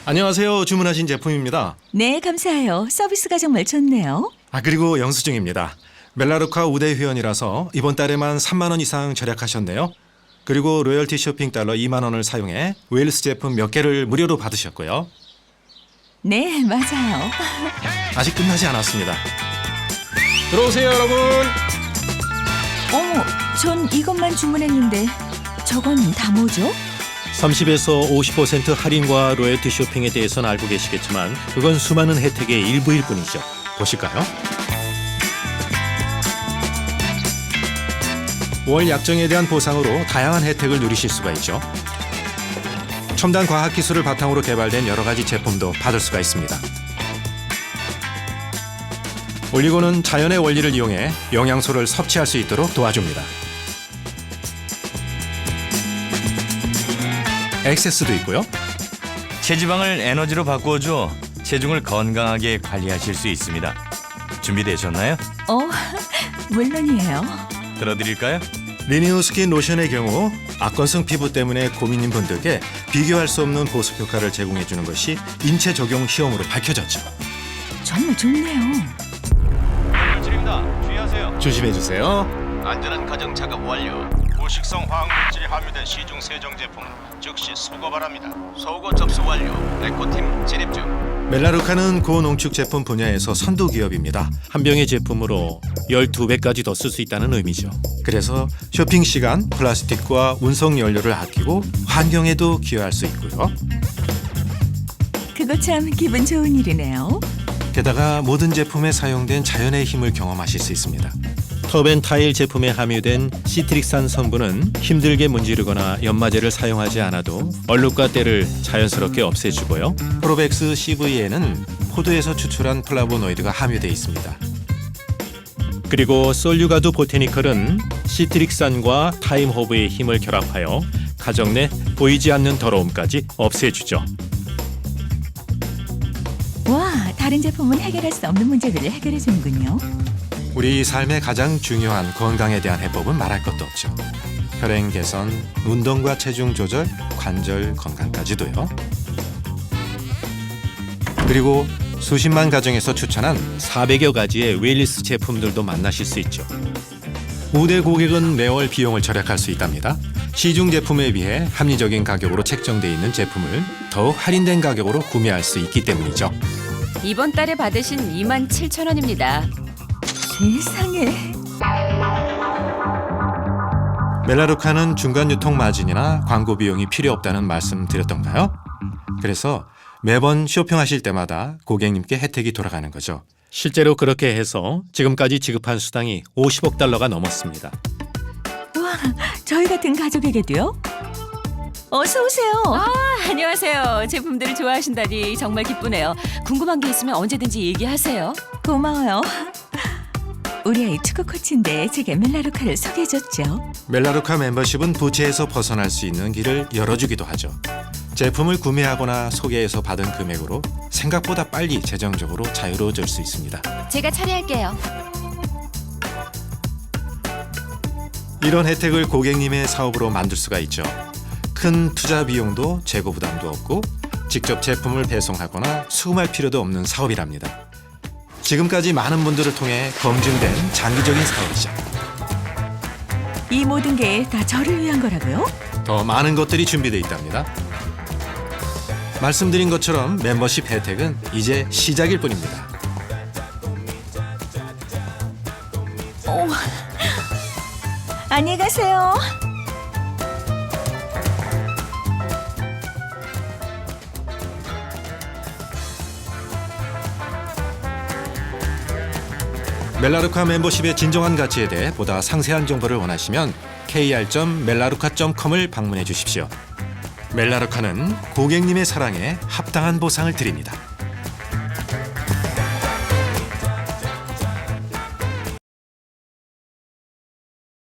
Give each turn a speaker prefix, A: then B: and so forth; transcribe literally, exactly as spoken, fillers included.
A: 안녕하세요. 주문하신 제품입니다.
B: 네, 감사해요. 서비스가 정말 좋네요.
A: 아 그리고 영수증입니다. 멜라루카 우대 회원이라서 이번 달에만 삼만 원 이상 절약하셨네요. 그리고 로열티 쇼핑 달러 이만 원을 사용해 웨일스 제품 몇 개를 무료로 받으셨고요.
B: 네, 맞아요.
A: 아직 끝나지 않았습니다. 들어오세요, 여러분.
B: 어머, 전 이것만 주문했는데 저건 다 뭐죠?
A: 삼십에서 오십 퍼센트 할인과 로열티 쇼핑에 대해서는 알고 계시겠지만 그건 수많은 혜택의 일부일 뿐이죠. 보실까요? 월 약정에 대한 보상으로 다양한 혜택을 누리실 수가 있죠. 첨단 과학기술을 바탕으로 개발된 여러 가지 제품도 받을 수가 있습니다. 올리고는 자연의 원리를 이용해 영양소를 섭취할 수 있도록 도와줍니다. 액세스도 있고요.
C: 체지방을 에너지로 바꾸어줘 체중을 건강하게 관리하실 수 있습니다. 준비되셨나요?
B: 어, 물론이에요.
C: 들어드릴까요?
A: 리니우 스킨 로션의 경우 악건성 피부 때문에 고민인 분들께 비교할 수 없는 보습 효과를 제공해주는 것이 인체 적용 시험으로 밝혀졌죠.
B: 정말 좋네요.
D: 물질입니다. 주의하세요.
A: 조심해주세요.
D: 안전한 가정 작업 완료. 고식성 화학물질이 함유된 시중 세정 제품 즉시 수거 바랍니다. 소고 접수 완료. 에코팀 진입 중.
A: 멜라루카는 고농축 제품 분야에서 선도 기업입니다. 한 병의 제품으로 열두 배까지 더 쓸 수 있다는 의미죠. 그래서 쇼핑 시간, 플라스틱과 운송 연료를 아끼고 환경에도 기여할 수 있고요.
B: 그거 참 기분 좋은 일이네요.
A: 게다가 모든 제품에 사용된 자연의 힘을 경험하실 수 있습니다. 터벤타일 제품에 함유된 시트릭산 성분은 힘들게 문지르거나 연마제를 사용하지 않아도 얼룩과 때를 자연스럽게 없애주고요. 프로벡스 씨브이에는 포도에서 추출한 플라보노이드가 함유되어 있습니다. 그리고 솔유가두 보테니컬은 시트릭산과 타임허브의 힘을 결합하여 가정 내 보이지 않는 더러움까지 없애주죠.
B: 와, 다른 제품은 해결할 수 없는 문제들을 해결해 주는군요.
A: 우리 삶의 가장 중요한 건강에 대한 해법은 말할 것도 없죠. 혈행 개선, 운동과 체중 조절, 관절 건강까지도요. 그리고 수십만 가정에서 추천한 사백여 가지의 웨일리스 제품들도 만나실 수 있죠. 우대 고객은 매월 비용을 절약할 수 있답니다. 시중 제품에 비해 합리적인 가격으로 책정돼 있는 제품을 더욱 할인된 가격으로 구매할 수 있기 때문이죠.
E: 이번 달에 받으신 이만 칠천 원입니다.
B: 세상에.
A: 멜라루카는 중간 유통 마진이나 광고 비용이 필요 없다는 말씀 드렸던가요? 그래서 매번 쇼핑하실 때마다 고객님께 혜택이 돌아가는 거죠. 실제로 그렇게 해서 지금까지 지급한 수당이 오십억 달러가 넘었습니다.
B: 와, 저희 같은 가족에게도요? 어서 오세요.
E: 아, 안녕하세요. 제품들을 좋아하신다니 정말 기쁘네요. 궁금한 게 있으면 언제든지 얘기하세요.
B: 고마워요. 우리 아이 축구 코치인데 제게 멜라루카를 소개해줬죠.
A: 멜라루카 멤버십은 부채에서 벗어날 수 있는 길을 열어주기도 하죠. 제품을 구매하거나 소개해서 받은 금액으로 생각보다 빨리 재정적으로 자유로워질 수 있습니다.
E: 제가 처리할게요.
A: 이런 혜택을 고객님의 사업으로 만들 수가 있죠. 큰 투자 비용도 재고 부담도 없고 직접 제품을 배송하거나 수금할 필요도 없는 사업이랍니다. 지금까지 많은 분들을 통해 검증된 장기적인 사업이죠.
B: 이 모든 게 다 저를 위한 거라고요?
A: 더 많은 것들이 준비되어 있답니다. 말씀드린 것처럼 멤버십 혜택은 이제 시작일 뿐입니다.
B: 오, 안녕히 가세요.
A: 멜라루카 멤버십의 진정한 가치에 대해 보다 상세한 정보를 원하시면 케이알 점 멜라루카 점 컴을 방문해 주십시오. 멜라루카는 고객님의 사랑에 합당한 보상을 드립니다.